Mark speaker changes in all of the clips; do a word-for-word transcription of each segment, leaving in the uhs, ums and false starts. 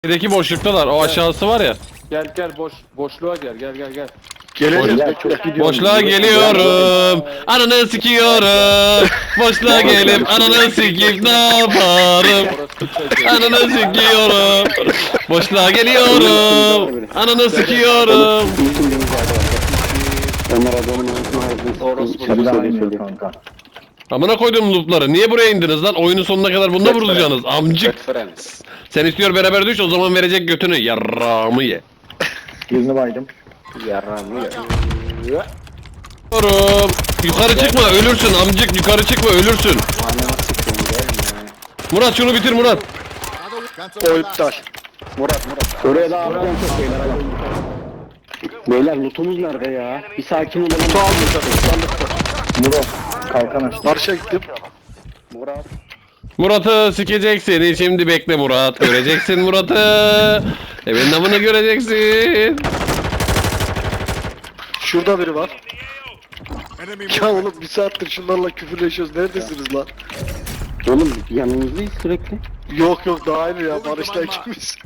Speaker 1: Birdeki boşluktalar. O aşağısı var ya.
Speaker 2: Gel gel boş boşluğa gel gel gel gel.
Speaker 3: Gelelim.
Speaker 4: Ya çok gidiyorum.
Speaker 1: Boşluğa geliyorum. Ananı sikiyorum. Boşluğa gelip ananı sikip ne yaparım? Ananı sikiyorum. Boşluğa geliyorum. Ananı sikiyorum.
Speaker 4: Onlar adamın arasında
Speaker 2: Orospu
Speaker 4: şarkı
Speaker 3: Bir daha
Speaker 4: söylüyor
Speaker 3: iniyor
Speaker 4: söylüyor.
Speaker 3: kanka.
Speaker 1: Amına koydum loopları. Niye buraya indiniz lan? Oyunun sonuna kadar bunda vurulacaksınız. Amcık.
Speaker 2: Friends.
Speaker 1: Sen istiyor beraber düş, o zaman verecek götünü. Yarrağımı ye.
Speaker 3: Birini baydım.
Speaker 2: Yaram ya.
Speaker 1: Oğlum, yukarı çıkma ölürsün amcık, yukarı çıkma ölürsün.
Speaker 4: Anama sıkıyorum gelme.
Speaker 1: Murat şunu bitir Murat.
Speaker 3: O iptal. Murat Murat.
Speaker 4: Oraya da atacağım çok beyler adam. Beyler lootumuz nerede ya? Bir sakin olalım.
Speaker 3: Su aldım zaten. Sandıkta. Murat. Kalkan açtı. Marşa gittim.
Speaker 4: Murat.
Speaker 1: Murat'ı sikeceksin, şimdi bekle Murat. Göreceksin Murat'ı. Evin namını göreceksin.
Speaker 3: Şurada biri var. Ya oğlum bir saattir şunlarla küfürleşiyoruz. Neredesiniz lan?
Speaker 4: Oğlum yanınızdayız sürekli.
Speaker 3: Yok yok daha aynı ya. Barış'ta ikimiz.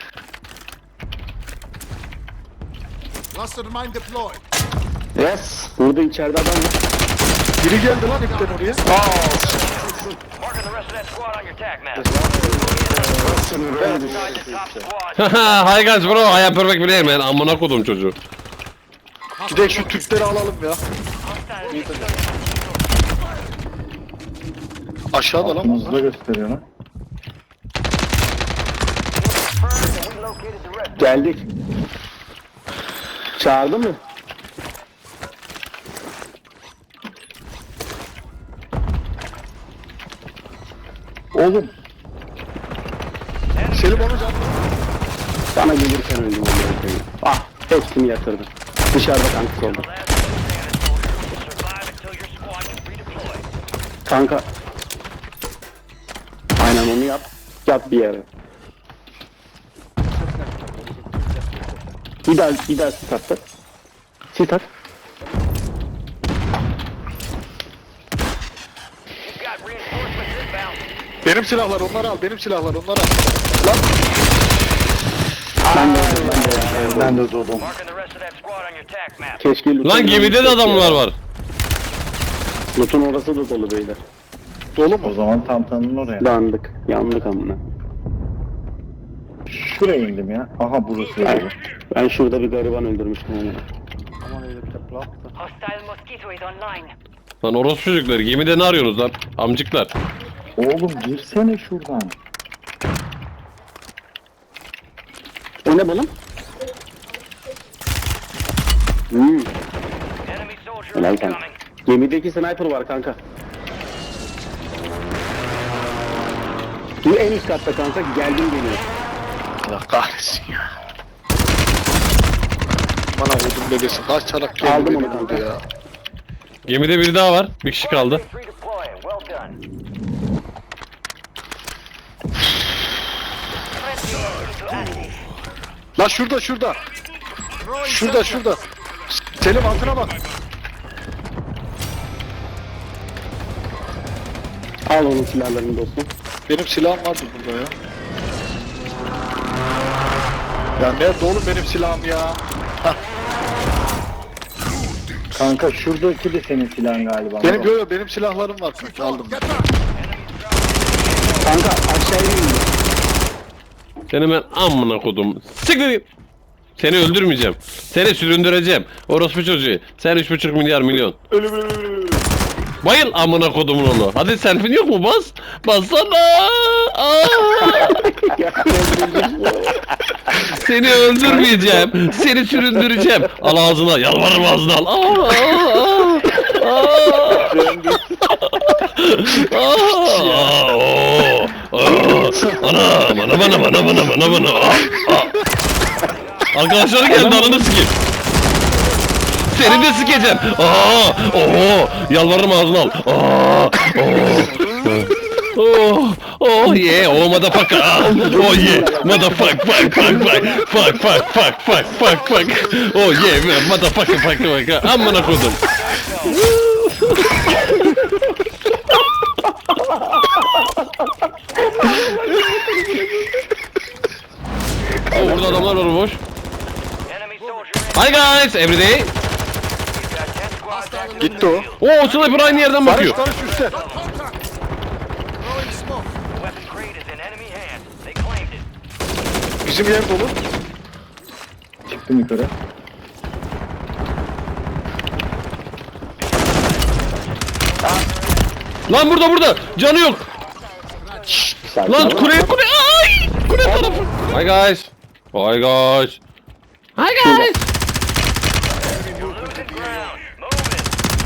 Speaker 5: Cluster mine deployed.
Speaker 4: Yes. Burada içeride adam var.
Speaker 3: Biri geldi lan ipten oraya.
Speaker 6: Marking the rest of that squad on your attack map. Top squad.
Speaker 1: Haha, hi guys bro, I am perfect player man. Amına kodum çocuğu.
Speaker 3: Gidelim şu Türkleri alalım ya. Aşağıda lan bunlar.
Speaker 7: gösteriyor lan.
Speaker 4: Geldik. Çağırdı mı?
Speaker 7: Oğlum
Speaker 3: Selim onu can.
Speaker 4: Bana gelirken öldüm onları koyayım. Ah hepsini yatırdı. Dışarıda kankası oldu.
Speaker 6: Survive until your squad can redeploy.
Speaker 4: Kanka. Aynen onu yap. Yap bir yere. Bir daha bir daha sit attı. Sit at.
Speaker 6: You've got reinforcements inbound.
Speaker 3: Benim silahlar onları al. Benim silahlar onları al. Lan.
Speaker 4: Ben de öldüm, ben de öldüm.
Speaker 7: ben de doğdum.
Speaker 6: Marking the rest of that squad on your attack map.
Speaker 4: Keşke loot'un
Speaker 1: Lan gemide de adamlar var.
Speaker 4: Loot'un orası da dolu beyler.
Speaker 3: Dolu mu?
Speaker 7: O zaman Tantan'ın oraya.
Speaker 4: Dandık. Yandık amına.
Speaker 7: Şuraya indim ya. Aha burası öyle.
Speaker 4: Ben şurada bir gariban öldürmüştüm onu.
Speaker 8: Hostile mosquito is online.
Speaker 1: Lan orospu çocukları, gemide ne arıyorsunuz lan? Amcıklar.
Speaker 7: Oğlum girsene şuradan.
Speaker 4: O ne balım? Hmm.
Speaker 6: Enemy soldier
Speaker 4: Helal kanka.
Speaker 6: incoming.
Speaker 4: Gemideki sniper var kanka. Bu en üst katta kanka, geldim geliyor.
Speaker 3: Allah kahretsin ya. Bana vurdum bebesi. Kaç çanak geldi
Speaker 4: Aldım
Speaker 3: beni
Speaker 4: onu
Speaker 3: vurdu
Speaker 4: kanka.
Speaker 3: ya.
Speaker 1: Gemide biri daha var. Bir kişi kaldı.
Speaker 6: Redeploying. Well done.
Speaker 3: Lan şurada şurada. Şurada şurada. Selim altına bak.
Speaker 4: Al onun silahlarını dostum.
Speaker 3: Benim silahım vardı burada ya. Ya nerede oğlum benim silahım ya?
Speaker 7: Kanka şuradaki de senin silahın galiba.
Speaker 3: Benim yo yo benim silahlarım var kanka aldım.
Speaker 4: Kanka aşağıya indi.
Speaker 1: Seni ben amına kodum. Siktir git. Seni öldürmeyeceğim. Seni süründüreceğim. Orospu çocuğu. Sen üç buçuk milyar milyon. Bayıl amına kodumun oğlu. Hadi selfin yok mu? Bas. Bassana. Aa! Seni öldürmeyeceğim. Seni süründüreceğim. Al ağzına. Yalvarırım ağzına al. Aa! Aa! Aa! Oo! Aa! Ana! Bana bana bana bana bana bana. Aa! Aa! Arkadaşları geldi, ananı sikeyim. Seni de sikeceğim. Aa! Oo! Yalvarırım ağzına al. Aa! Oh, oh yeah, oh motherfucker, ah, oh yeah, motherfuck, fuck, fuck, fuck, fuck, fuck, fuck, fuck, fuck, fuck, oh yeah, motherfucker, fuck, fuck, amına kodum. burada adamlar var boş.
Speaker 6: Enemy soldier in.
Speaker 1: Hi guys, everyday.
Speaker 6: You've got ten squads active in
Speaker 3: Gitti
Speaker 6: the
Speaker 3: o.
Speaker 6: field.
Speaker 1: Oo, sniper aynı yerden
Speaker 3: Barış
Speaker 1: bakıyor.
Speaker 3: Barış üstte.
Speaker 6: The weapon crate is in enemy hands. They claimed it.
Speaker 3: Bizim yer dolu.
Speaker 7: Çıktım yukarı.
Speaker 1: Lan burada burada. Canı yok.
Speaker 4: Sakin
Speaker 1: Lan
Speaker 4: ol.
Speaker 1: kule kule. Ay! Kule tarafı. Hi guys. Hi guys. Hi guys.
Speaker 6: You're losing ground. Move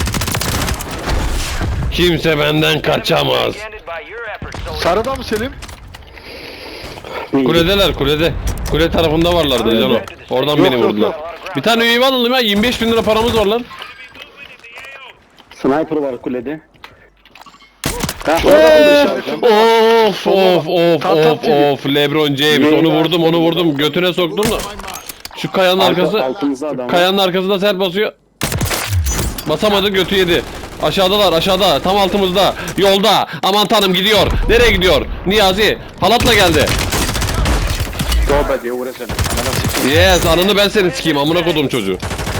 Speaker 6: it.
Speaker 1: Kimse benden kaçamaz.
Speaker 6: Ended by your efforts, soldier.
Speaker 3: Sarıda mı Selim?
Speaker 1: Kuledeler kulede. Kule tarafında varlardı Cano. Oradan
Speaker 3: Yok,
Speaker 1: beni
Speaker 3: yok,
Speaker 1: vurdular.
Speaker 3: yok.
Speaker 1: Bir tane üyevi alalım ya. yirmi beş bin lira paramız var lan.
Speaker 4: Sniper var kulede. Ha,
Speaker 1: Of of of
Speaker 3: Tam, tam
Speaker 1: of
Speaker 3: T V.
Speaker 1: of LeBron James, onu vurdum onu vurdum götüne soktum da şu kayanın
Speaker 4: Arka-
Speaker 1: arkası
Speaker 4: altımızda adam var.
Speaker 1: kayanın arkasında sert basıyor, basamadı, götü yedi. Aşağıdalar, aşağıda, tam altımızda, yolda. Aman tanrım, gidiyor. Nereye gidiyor? Niyazi halatla geldi.
Speaker 3: Tövbe diye uğraşalım.
Speaker 1: Yes, anını ben seni sikeyim, amına kodum çocuğu.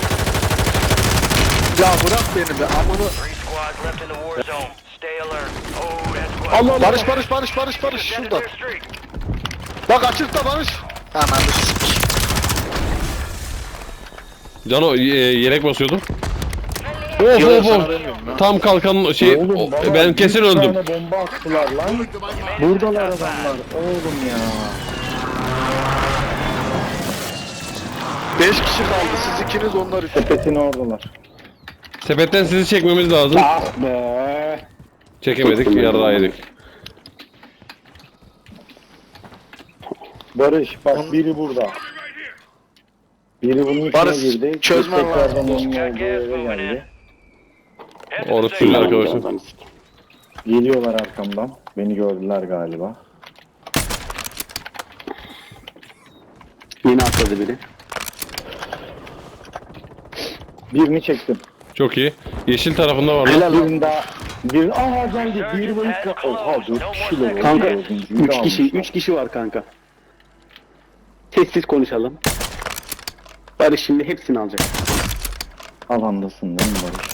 Speaker 3: Ya bırak beni be amını.
Speaker 6: Three squads left in the war zone. Stay alert. Oh, that squad.
Speaker 3: Barış Barış Barış Barış Barış
Speaker 6: Ended
Speaker 3: şurada.
Speaker 6: their streak.
Speaker 3: Bak açıkta Barış. Ananı s**k.
Speaker 1: Cano e, yelek basıyordu. Of
Speaker 3: Yok,
Speaker 1: of
Speaker 3: sana
Speaker 1: of.
Speaker 3: demiyorum lan.
Speaker 1: Tam kalkan şey,
Speaker 7: Oğlum,
Speaker 1: o-
Speaker 7: bana
Speaker 1: ben
Speaker 7: bir
Speaker 1: kesin öldüm.
Speaker 7: tane bomba attılar lan. Buradalar adamlar. Oğlum ya.
Speaker 3: Beş kişi kaldı. Siz ikiniz onlar üstü.
Speaker 7: Sepetin oradalar.
Speaker 1: Sepetten sizi çekmemiz lazım.
Speaker 4: Ah be.
Speaker 1: Çekemedik, yarrağı yedik.
Speaker 7: Barış bak biri burada. Biri bunun içine
Speaker 3: Barış,
Speaker 7: girdi.
Speaker 3: çözmen
Speaker 7: Tekrardan
Speaker 3: lazım.
Speaker 7: onun olduğu eve geldi.
Speaker 6: Head to the
Speaker 1: Orası
Speaker 6: safe
Speaker 1: sürüyor
Speaker 6: zone.
Speaker 1: arkadaşlar.
Speaker 7: Geliyorlar arkamdan. Beni gördüler galiba.
Speaker 4: Yine atladı biri.
Speaker 7: Birini çektim.
Speaker 1: Çok iyi. Yeşil tarafında var lan.
Speaker 4: Helal lan.
Speaker 7: Birini daha... Bir... Aha geldi. Bir bayık... Oha dört kişiler oldu.
Speaker 4: Kanka
Speaker 7: Dördüncüyü de
Speaker 4: üç kişi,
Speaker 7: almışlar.
Speaker 4: üç kişi var kanka. Sessiz konuşalım. Barış şimdi hepsini alacak.
Speaker 7: Alandasın değil mi Barış?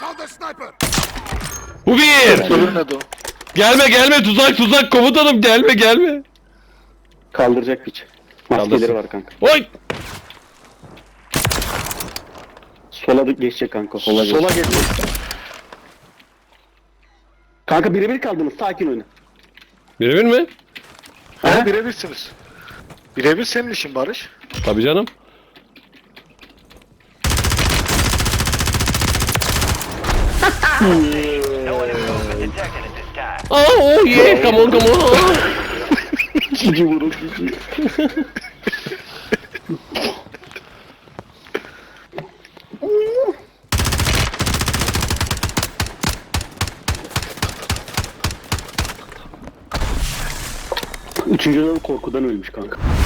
Speaker 1: Bu bir.
Speaker 3: Ölmedi o.
Speaker 1: Gelme gelme, tuzak tuzak, komutanım, gelme gelme.
Speaker 4: Kaldıracak piç. Maskeleri
Speaker 1: Kaldırsın.
Speaker 4: var kanka.
Speaker 1: Oy.
Speaker 4: Sola da geçecek kanka. Sola,
Speaker 3: Sola geçecek.
Speaker 4: Kanka birebir kaldınız. Sakin oyna.
Speaker 1: Birebir mi?
Speaker 3: Ha birebirsiniz. Birebir senin işin Barış.
Speaker 1: Tabii canım.
Speaker 6: No enemy movement detected at this time.
Speaker 1: Oh, oh yeah, come on come on.
Speaker 4: Cici vurun cici. Üçüncüden korkudan ölmüş kanka.